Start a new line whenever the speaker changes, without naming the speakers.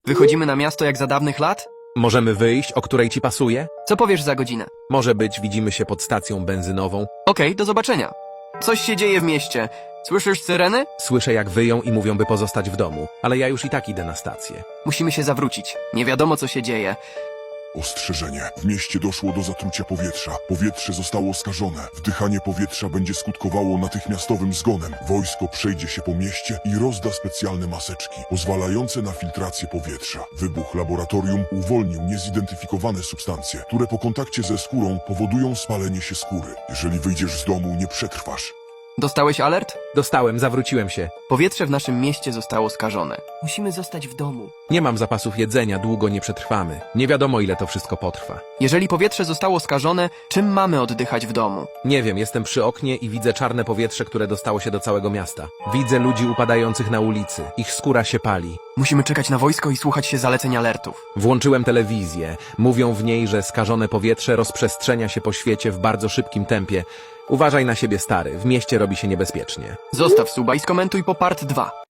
Wychodzimy na miasto jak za dawnych lat?
Możemy wyjść, o której ci pasuje?
Co powiesz za godzinę?
Może być, widzimy się pod stacją benzynową.
Okej, do zobaczenia. Coś się dzieje w mieście. Słyszysz syreny?
Słyszę, jak wyją i mówią, by pozostać w domu, ale ja już i tak idę na stację.
Musimy się zawrócić. Nie wiadomo, co się dzieje.
Ostrzeżenie. W mieście doszło do zatrucia powietrza. Powietrze zostało skażone. Wdychanie powietrza będzie skutkowało natychmiastowym zgonem. Wojsko przejdzie się po mieście i rozda specjalne maseczki, pozwalające na filtrację powietrza. Wybuch laboratorium uwolnił niezidentyfikowane substancje, które po kontakcie ze skórą powodują spalenie się skóry. Jeżeli wyjdziesz z domu, nie przetrwasz.
Dostałeś alert?
Dostałem, zawróciłem się.
Powietrze w naszym mieście zostało skażone. Musimy zostać w domu.
Nie mam zapasów jedzenia, długo nie przetrwamy. Nie wiadomo, ile to wszystko potrwa.
Jeżeli powietrze zostało skażone, czym mamy oddychać w domu?
Nie wiem, jestem przy oknie i widzę czarne powietrze, które dostało się do całego miasta. Widzę ludzi upadających na ulicy. Ich skóra się pali.
Musimy czekać na wojsko i słuchać się zaleceń alertów.
Włączyłem telewizję. Mówią w niej, że skażone powietrze rozprzestrzenia się po świecie w bardzo szybkim tempie. Uważaj na siebie, stary. W mieście robi się niebezpiecznie.
Zostaw suba i skomentuj po part 2.